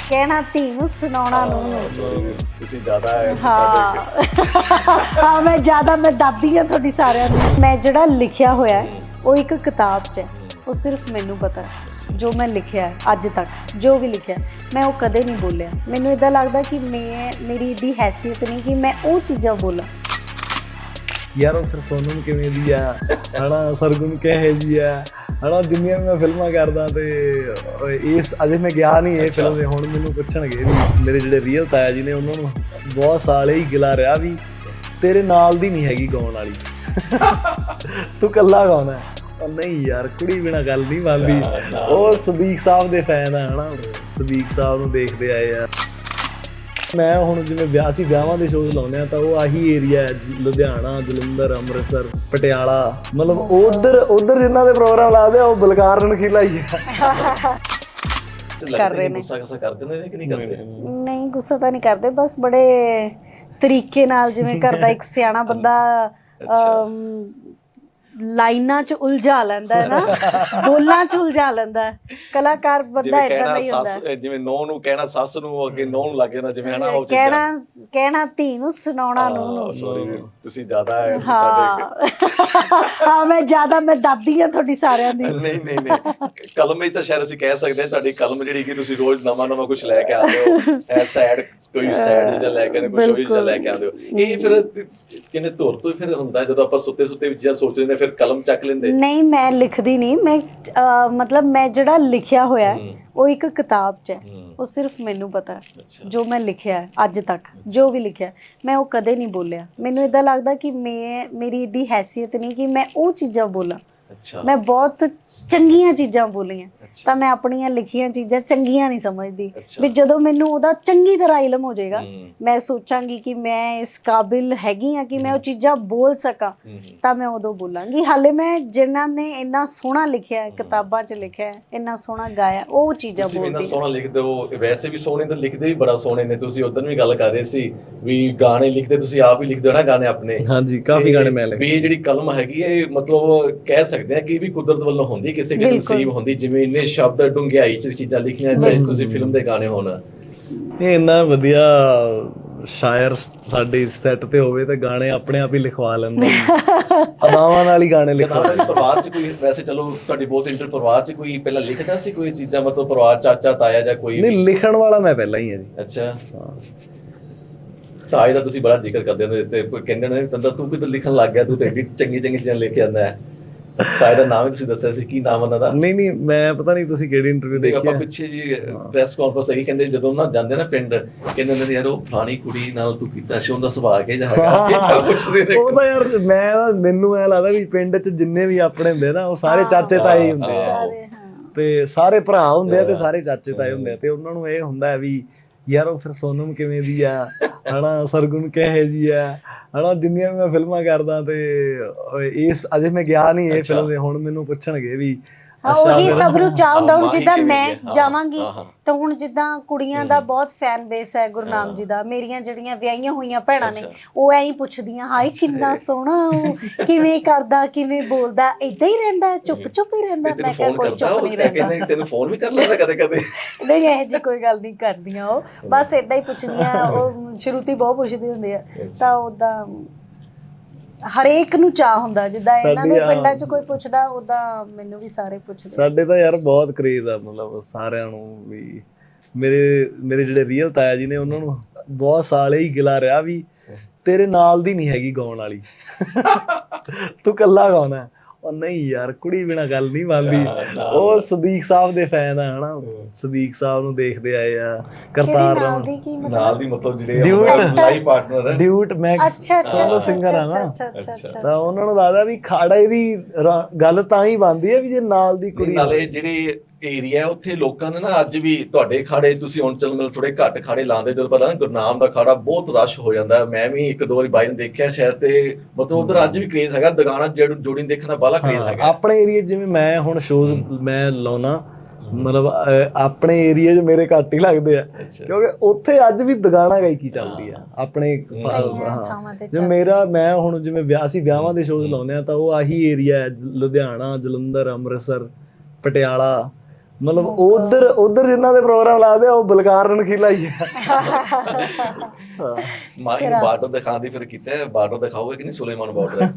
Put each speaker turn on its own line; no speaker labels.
ਕਹਿਣਾ ਧੀ ਨੂੰ ਸੁਣਾਉਣਾ ਨੂੰ
ਸੌਰੀ ਤੁਸੀਂ ਜ਼ਿਆਦਾ ਹੈ
ਹਾਂ ਮੈਂ ਜ਼ਿਆਦਾ ਮੈਂ ਦਾਦੀ ਹਾਂ ਤੁਹਾਡੀ ਸਾਰਿਆਂ ਦੀ। ਮੈਂ ਜਿਹੜਾ ਲਿਖਿਆ ਹੋਇਆ ਹੈ, ਉਹ ਇੱਕ ਕਿਤਾਬ 'ਚ ਹੈ, ਉਹ ਸਿਰਫ ਮੈਨੂੰ ਪਤਾ ਹੈ। ਜੋ ਮੈਂ ਲਿਖਿਆ ਹੈ ਅੱਜ ਤੱਕ ਜੋ ਵੀ ਲਿਖਿਆ ਮੈਂ ਉਹ ਕਦੇ ਨਹੀਂ ਬੋਲਿਆ। ਮੈਨੂੰ ਇੱਦਾਂ ਲੱਗਦਾ ਕਿ ਮੇਰੀ ਇੱਡੀ ਹੈਸੀਅਤ ਨਹੀਂ ਕਿ ਮੈਂ ਉਹ ਚੀਜ਼ਾਂ ਬੋਲਾਂ।
ਯਾਰ ਉਹ ਫਿਰ ਸੋਨਮ ਕਿਵੇਂ ਦੀ ਆ ਹਨਾ, ਸਰਗੁਣ ਕਿਹੋ ਜਿਹੀ ਆ ਹਨਾ। ਜਿੰਨੀਆਂ ਵੀ ਮੈਂ ਫਿਲਮਾਂ ਕਰਦਾ ਤੇ ਇਸ ਅਜੇ ਮੈਂ ਗਿਆ ਨਹੀਂ ਇਹ ਫਿਲਮ ਦੇ। ਹੁਣ ਮੈਨੂੰ ਪੁੱਛਣਗੇ ਵੀ ਮੇਰੇ ਜਿਹੜੇ ਰੀਅਲ ਤਾਇਆ ਜੀ ਨੇ, ਉਹਨਾਂ ਨੂੰ ਬਹੁਤ ਸਾਲ ਹੀ ਗਿਲਾ ਰਿਹਾ ਵੀ ਤੇਰੇ ਨਾਲ ਦੀ ਨਹੀਂ ਹੈਗੀ ਗਾਉਣ ਵਾਲੀ, ਤੂੰ ਇਕੱਲਾ ਗਾਉਣਾ। ਉਹ ਨਹੀਂ ਯਾਰ, ਕੁੜੀ ਬਿਨਾਂ ਗੱਲ ਨਹੀਂ ਬਣਦੀ। ਉਹ ਸਦੀਕ ਸਾਹਿਬ ਦੇ ਫੈਨ ਆ ਹਨਾ, ਸਦੀਕ ਸਾਹਿਬ ਨੂੰ ਦੇਖਦੇ ਆਏ ਆ। ਮੈਂ ਹੁਣ ਜਿਵੇਂ ਵਿਆਹਾਂ ਦੇ ਸ਼ੋਅ ਲਾਉਂਦੇ ਆ ਤਾਂ ਉਹ ਆਹੀ ਏਰੀਆ ਹੈ, ਲੁਧਿਆਣਾ, ਜਲੰਧਰ, ਅੰਮ੍ਰਿਤਸਰ, ਪਟਿਆਲਾ, ਮਤਲਬ ਉਧਰ ਜਿਨ੍ਹਾਂ ਦੇ ਪ੍ਰੋਗਰਾਮ ਲਾਦੇ ਆ ਉਹ ਬਲਕਾਰ ਰਣਖੀਲਾ ਹੀ ਆ।
ਕਰ ਰਹੇ ਨੇ।
ਗੁੱਸਾ ਕਰਦੇ ਨੇ ਕਿ ਨਹੀਂ ਕਰਦੇ?
ਨਹੀਂ ਗੁੱਸਾ ਤਾਂ ਨਹੀਂ ਕਰਦੇ, ਬਸ ਬੜੇ ਤਰੀਕੇ ਨਾਲ, ਜਿਵੇਂ ਕਰਦਾ ਇੱਕ ਸਿਆਣਾ ਬੰਦਾ ਲਾਈਨਾਂ 'ਚ ਉਲਝਾ ਲੈਂਦਾ ਹੈ ਨਾ, ਬੋਲਾਂ 'ਚ ਉਲਝਾ ਲੈਂਦਾ ਹੈ। ਕਲਾਕਾਰ ਬੰਦਾ ਏਦਾਂ ਦਾ ਹੀ ਹੁੰਦਾ।
ਜਿਵੇਂ ਨੌ ਨੂੰ ਕਹਿਣਾ ਸੱਸ ਨੂੰ, ਅੱਗੇ ਨੌ ਨੂੰ ਲੱਗ ਜਾਣਾ, ਜਿਵੇਂ ਹਨਾ ਉਹ
ਕਹਿਣਾ ਧੀ ਨੂੰ ਸੁਣਾਉਣਾ ਨੂੰ।
ਸੌਰੀ ਤੁਸੀਂ ਜ਼ਿਆਦਾ ਹੈ
ਹਾਂ ਮੈਂ ਜ਼ਿਆਦਾ ਮੈਂ ਦਾਦੀ ਹਾਂ ਤੁਹਾਡੀ ਸਾਰਿਆਂ ਦੀ।
ਨਹੀਂ ਕਲਮ ਵਿੱਚ ਤਾਂ ਸ਼ਾਇਦ ਅਸੀਂ ਕਹਿ ਸਕਦੇ ਹਾਂ ਤੁਹਾਡੀ ਕਲਮ ਜਿਹੜੀ ਕਿ ਤੁਸੀਂ ਰੋਜ਼ ਨਵਾਂ ਕੁਝ ਲੈ ਕੇ ਆਉਂਦੇ ਹੋ। ਕੋਈ ਸੈਡ ਜਿਹਾ ਲੈ ਕੇ ਆਉਂਦੇ, ਕੋਈ ਸ਼ੋਈ ਜਿਹਾ ਲੈ ਕੇ ਆਉਂਦੇ ਹੋ। ਇਹ ਫਿਰ ਕਿੰਨੇ ਧੁਰ ਤੋਂ ਫਿਰ ਹੁੰਦਾ ਜਦੋਂ ਆਪਾਂ ਸੁੱਤੇ ਵਿੱਚ ਜਾਂ ਸੋਚ ਲੈਂਦੇ ਫਿਰ ਕਲਮ ਚੱਕ ਲੈਂਦੇ?
ਨਹੀਂ ਮੈਂ ਲਿਖਦੀ ਨਹੀਂ, ਮੈਂ ਮਤਲਬ ਮੈਂ ਜਿਹੜਾ ਲਿਖਿਆ ਹੋਇਆ ਹੈ, ਉਹ ਇੱਕ ਕਿਤਾਬ 'ਚ ਹੈ, ਉਹ ਸਿਰਫ ਮੈਨੂੰ ਪਤਾ ਹੈ। ਜੋ ਮੈਂ ਲਿਖਿਆ ਹੈ ਅੱਜ ਤੱਕ ਜੋ ਵੀ ਲਿਖਿਆ ਮੈਂ ਉਹ ਕਦੇ ਨਹੀਂ ਬੋਲਿਆ। ਮੈਨੂੰ ਇੱਦਾਂ ਲੱਗਦਾ ਕਿ ਮੇਰੀ ਇੱਡੀ ਹੈਸੀਅਤ ਨਹੀਂ ਕਿ ਮੈਂ ਉਹ ਚੀਜ਼ਾਂ ਬੋਲਾਂ। ਮੈਂ ਬਹੁਤ ਚੰਗੀਆਂ ਚੀਜ਼ਾਂ ਬੋਲੀਆਂ, ਤਾਂ ਮੈਂ ਆਪਣੀਆਂ ਲਿਖੀਆਂ ਚੀਜ਼ਾਂ ਚੰਗੀਆਂ ਨਹੀਂ ਸਮਝਦੀ। ਵੀ ਜਦੋਂ ਮੈਨੂੰ ਉਹਦਾ ਚੰਗੀ ਤਰ੍ਹਾਂ ਇਲਮ ਹੋ ਜਾਏਗਾ, ਮੈਂ ਸੋਚਾਂਗੀ ਕਿ ਮੈਂ ਇਸ ਕਾਬਿਲ ਹੈਗੀ ਹਾਂ ਕਿ ਮੈਂ ਉਹ ਚੀਜ਼ਾਂ ਬੋਲ ਸਕਾਂ, ਤਾਂ ਮੈਂ ਉਦੋਂ ਬੋਲਾਂਗੀ। ਹਾਲੇ ਮੈਂ ਜਿਨ੍ਹਾਂ ਨੇ ਇੰਨਾ ਸੋਹਣਾ ਲਿਖਿਆ ਹੈ, ਕਿਤਾਬਾਂ 'ਚ ਲਿਖਿਆ ਹੈ, ਇੰਨਾ ਸੋਹਣਾ ਗਾਇਆ, ਉਹ ਚੀਜ਼ਾਂ ਬੋਲਦੀ।
ਇੰਨਾ ਸੋਹਣਾ ਲਿਖਦੇ ਹੋ, ਵੈਸੇ ਵੀ ਸੋਹਣੇ ਤਾਂ ਲਿਖਦੇ ਵੀ ਬੜਾ ਸੋਹਣੇ ਨੇ। ਤੁਸੀਂ ਉਦੋਂ ਵੀ ਗੱਲ ਕਰ ਰਹੇ ਸੀ ਵੀ ਗਾਣੇ ਲਿਖਦੇ, ਤੁਸੀਂ ਆਪ ਹੀ ਲਿਖਦੇ ਹੋ ਨਾ ਗਾਣੇ ਆਪਣੇ?
ਹਾਂਜੀ, ਕਾਫੀ ਗਾਣੇ ਮੈਂ ਲਿਖੇ।
ਵੀ ਇਹ ਜਿਹੜੀ ਕਲਮ ਹੈਗੀ ਹੈ, ਮਤਲਬ ਕਹਿ ਸਕਦੇ ਹਾਂ ਕਿ ਵੀ ਕੁਦਰਤ ਵੱਲੋਂ ਹੁੰਦੀ, ਕਿਸੇ ਕਿਸੇ ਨਸੀਬ ਹੁੰਦੀ। ਜਿਵੇਂ ਇੰਨੇ ਸ਼ਬਦ ਡੂੰਘਾਈ 'ਚ ਚੀਜ਼ਾਂ ਲਿਖੀਆਂ, ਚਾਹੇ ਤੁਸੀਂ ਫਿਲਮ ਦੇ ਗਾਣੇ ਹੋਣ।
ਇਹ ਇੰਨਾ ਵਧੀਆ ਸ਼ਾਇਰ ਸਾਡੇ ਸੈੱਟ ਤੇ ਹੋਵੇ ਤੇ ਗਾਣੇ ਆਪਣੇ ਆਪ ਹੀ ਲਿਖਵਾ ਲੈਂਦਾ, ਅਦਾਵਾਂ ਨਾਲ ਹੀ ਗਾਣੇ ਲਿਖਵਾ।
ਪਰਿਵਾਰ 'ਚ ਕੋਈ ਵੈਸੇ ਚਲੋ ਤੁਹਾਡੀ ਬਹੁਤ ਇੰਟਰ ਪਰਿਵਾਰ 'ਚ ਕੋਈ ਪਹਿਲਾਂ ਲਿਖਦਾ ਸੀ ਕੋਈ ਚੀਜ਼ਾਂ, ਮਤਲਬ ਪਰਿਵਾਰ ਚਾਚਾ ਤਾਇਆ ਜਾਂ ਕੋਈ?
ਨਹੀਂ, ਲਿਖਣ ਵਾਲਾ ਮੈਂ ਪਹਿਲਾਂ ਹੀ ਹਾਂ ਜੀ।
ਅੱਛਾ, ਤਾਏ ਦਾ ਤੁਸੀਂ ਬੜਾ ਜ਼ਿਕਰ ਕਰਦੇ ਹੋ ਤੇ ਕਹਿੰਦੇ ਨੇ ਤੰਦਾ ਤੂੰ ਕਿਤੇ ਲਿਖਣ ਲੱਗ ਗਿਆ, ਤੂੰ ਤੇ ਐਡੀ ਚੰਗੀ ਚੀਜ਼ਾਂ ਲਿਖ ਕੇ ਆਉਂਦਾ ਹੈ। ਤਾਏ ਦਾ ਨਾਮ ਵੀ ਤੁਸੀਂ ਦੱਸਿਆ ਸੀ, ਕੀ ਨਾਮ ਉਹਨਾਂ ਦਾ?
ਨਹੀਂ ਮੈਂ ਪਤਾ ਨਹੀਂ ਤੁਸੀਂ ਕਿਹੜੀ ਇੰਟਰਵਿਊ ਦੇਖੀ
ਆਪਾਂ ਪਿੱਛੇ ਜੀ ਪ੍ਰੈਸ ਕਾਨਫਰੰਸ ਹੈਗੀ, ਕਹਿੰਦੇ ਜਦੋਂ ਨਾ ਜਾਂਦੇ ਨਾ ਪਿੰਡ, ਕਹਿੰਦੇ ਨੇ ਯਾਰ ਉਹ ਫਲਾਣੀ ਕੁੜੀ ਨਾਲ ਤੂੰ ਕੀਤਾ ਸੀ, ਉਹਦਾ ਸੁਭਾਅ ਕਿਹੋ ਜਿਹਾ ਹੈਗਾ, ਪੁੱਛਦੇ ਨੇ।
ਉਹ ਤਾਂ ਯਾਰ ਮੈਨੂੰ ਐ ਲੱਗਦਾ ਵੀ ਪਿੰਡ 'ਚ ਜਿੰਨੇ ਵੀ ਆਪਣੇ ਹੁੰਦੇ ਨਾ, ਉਹ ਸਾਰੇ ਚਾਚੇ ਤਾਏ ਹੀ ਹੁੰਦੇ ਆ, ਤੇ ਸਾਰੇ ਭਰਾ ਹੁੰਦੇ ਆ ਤੇ ਸਾਰੇ ਚਾਚੇ ਤਾਏ ਹੁੰਦੇ ਆ। ਤੇ ਉਹਨਾਂ ਨੂੰ ਇਹ ਹੁੰਦਾ ਹੈ ਵੀ ਯਾਰ ਉਹ ਫਿਰ ਸੋਨਮ ਕਿਵੇਂ ਦੀ ਆ ਹਨਾ, ਸਰਗੁਣ ਕਿਹੋ ਜਿਹੀ ਆ ਹਨਾ। ਜਿੰਨੀਆਂ ਵੀ ਮੈਂ ਫਿਲਮਾਂ ਕਰਦਾ ਤੇ ਇਸ ਅਜੇ ਮੈਂ ਗਿਆ ਨਹੀਂ ਇਹ ਫਿਲਮ ਦੇ। ਹੁਣ ਮੈਨੂੰ ਪੁੱਛਣਗੇ ਵੀ
ਉਹੀ ਸਭ ਨੂੰ ਚਾਹ ਹੁੰਦਾ। ਹੁਣ ਜਿੱਦਾਂ ਮੈਂ ਜਾਵਾਂਗੀ ਤਾਂ ਹੁਣ ਜਿੱਦਾਂ ਕੁੜੀਆਂ ਦਾ ਬਹੁਤ ਫੈਨ ਬੇਸ ਹੈ ਗੁਰਨਾਮ ਜੀ ਦਾ, ਮੇਰੀਆਂ ਜਿਹੜੀਆਂ ਵਿਆਹੀਆਂ ਹੋਈਆਂ ਭੈਣਾਂ ਨੇ ਉਹ ਐਂ ਹੀ ਪੁੱਛਦੀਆਂ, ਹਾਏ ਕਿੰਨਾ ਸੋਹਣਾ, ਉਹ ਕਿਵੇਂ ਕਰਦਾ, ਕਿਵੇਂ ਬੋਲਦਾ, ਏਦਾਂ ਹੀ ਰਹਿੰਦਾ, ਚੁੱਪ ਹੀ ਰਹਿੰਦਾ। ਮੈਂ ਕਿਹਾ ਕੋਈ ਚੁੱਪ ਨਹੀਂ ਰਹਿੰਦਾ।
ਤੈਨੂੰ ਫੋਨ ਵੀ ਕਰ ਲੈਂਦਾ ਕਦੇ?
ਨਹੀਂ ਇਹੋ ਜਿਹੀ ਕੋਈ ਗੱਲ ਨਹੀਂ ਕਰਦੀਆਂ, ਉਹ ਬਸ ਏਦਾਂ ਹੀ ਪੁੱਛਦੀਆਂ। ਉਹ ਸ਼ੁਰੂਤੀ ਬਹੁਤ ਪੁੱਛਦੀ ਹੁੰਦੀ ਆ, ਤਾਂ ਓਦਾਂ ਹਰੇਕ ਨੂੰ ਚਾਹ ਹੁੰਦਾ। ਜਿੱਦਾਂ ਇਹਨਾਂ ਦੇ ਪਿੰਡਾਂ 'ਚ ਕੋਈ ਪੁੱਛਦਾ, ਓਦਾਂ ਮੈਨੂੰ ਵੀ ਸਾਰੇ ਪੁੱਛਦੇ।
ਸਾਡੇ ਤਾਂ ਯਾਰ ਬਹੁਤ ਕਰੇਜ਼ ਆ, ਮਤਲਬ ਸਾਰਿਆਂ ਨੂੰ ਵੀ। ਮੇਰੇ ਜਿਹੜੇ ਰੀਅਲ ਤਾਇਆ ਜੀ ਨੇ, ਉਹਨਾਂ ਨੂੰ ਬਹੁਤ ਸਾਲ ਹੀ ਗਿਲਾ ਰਿਹਾ ਵੀ ਤੇਰੇ ਨਾਲ ਦੀ ਨਹੀਂ ਹੈਗੀ ਗਾਉਣ ਵਾਲੀ, ਤੂੰ ਇਕੱਲਾ ਗਾਉਣਾ। ਉਹ ਨਹੀਂ ਯਾਰ, ਕੁੜੀ ਬਿਨਾਂ ਗੱਲ ਨਹੀਂ ਬਣਦੀ। ਉਹ ਸਦੀਕ ਸਾਹਿਬ ਦੇ ਫੈਨ ਆ ਹਨਾ, ਸਦੀਕ ਸਾਹਿਬ ਨੂੰ ਦੇਖਦੇ ਆਏ ਆ। ਕਰਤਾਰ
ਨਾਲ ਦੀ ਮਤਲਬ ਜਿਹੜੇ ਲਾਈਫ ਪਾਰਟਨਰ ਹੈ,
ਡਿਊਟ ਮੈਕਸ ਸੋਲੋ ਸਿੰਗਰ ਆ ਨਾ, ਤਾਂ ਉਹਨਾਂ ਨੂੰ ਲੱਗਦਾ ਵੀ ਖਾੜੇ ਦੀ ਗੱਲ ਤਾਂ ਹੀ ਬਣਦੀ ਹੈ ਵੀ ਜੇ ਨਾਲ ਦੀ ਕੁੜੀ।
ਨਾਲੇ ਜਿਹੜੇ ਏਰੀਆ ਉੱਥੇ ਲੋਕਾਂ ਨੇ ਨਾ ਅੱਜ ਵੀ ਤੁਹਾਡੇ ਖਾੜੇ, ਤੁਸੀਂ ਹੁਣ ਚਲ ਮਿਲ ਥੋੜੇ ਘੱਟ ਖਾੜੇ ਲਾਉਂਦੇ, ਜਦੋਂ ਪਤਾ ਨਾ ਗੁਰਨਾਮ ਦਾ ਖਾੜਾ ਬਹੁਤ ਰਸ਼ ਹੋ ਜਾਂਦਾ। ਮੈਂ ਵੀ ਇੱਕ ਦੋ ਵਾਰੀ ਬਾਈ ਨੂੰ ਦੇਖਿਆ ਸ਼ਾਇਦ, ਤੇ ਮਤਲਬ ਉਧਰ ਅੱਜ ਵੀ ਕਰੇਜ਼ ਹੈਗਾ, ਦੁਕਾਨਾਂ ਜੋੜੀ ਦੇਖਣ ਦਾ ਬਾਹਲਾ ਕਰੇਜ਼ ਹੈਗਾ।
ਆਪਣੇ ਏਰੀਆ ਜਿਵੇਂ ਮੈਂ ਹੁਣ ਸ਼ੋਜ਼ ਮੈਂ ਲਾਉਣਾ, ਮਤਲਬ ਆਪਣੇ ਏਰੀਆ 'ਚ ਮੇਰੇ ਘੱਟ ਹੀ ਲੱਗਦੇ ਆ, ਕਿਉਂਕਿ ਉੱਥੇ ਅੱਜ ਵੀ ਦੁਕਾਨਾਂ ਗਾਇਕੀ ਚੱਲਦੀ ਆ ਆਪਣੇ। ਮੈਂ ਹੁਣ ਜਿਵੇਂ ਵਿਆਹਾਂ ਦੇ ਸ਼ੋਜ਼ ਲਾਉਂਦੇ ਆ ਤਾਂ ਉਹ ਆਹੀ ਏਰੀਆ ਹੈ, ਲੁਧਿਆਣਾ, ਜਲੰਧਰ, ਅੰਮ੍ਰਿਤਸਰ, ਪਟਿਆਲਾ, ਮਤਲਬ ਉਧਰ ਜਿਨ੍ਹਾਂ ਦੇ ਪ੍ਰੋਗਰਾਮ ਲਾਦੇ ਆ ਉਹ ਬਲਕਾਰ ਰਣਖੀਲਾ ਹੀ ਆ।
ਮਾਂ ਬਾਰਡਰ ਦਿਖਾਉਣ ਦੀ ਫਿਰ ਕੀਤਾ ਬਾਰਡਰ ਦਿਖਾਓਗੇ ਕਿ ਨਹੀਂ ਸੁਲੇਮਾਨ ਬਾਰਡਰ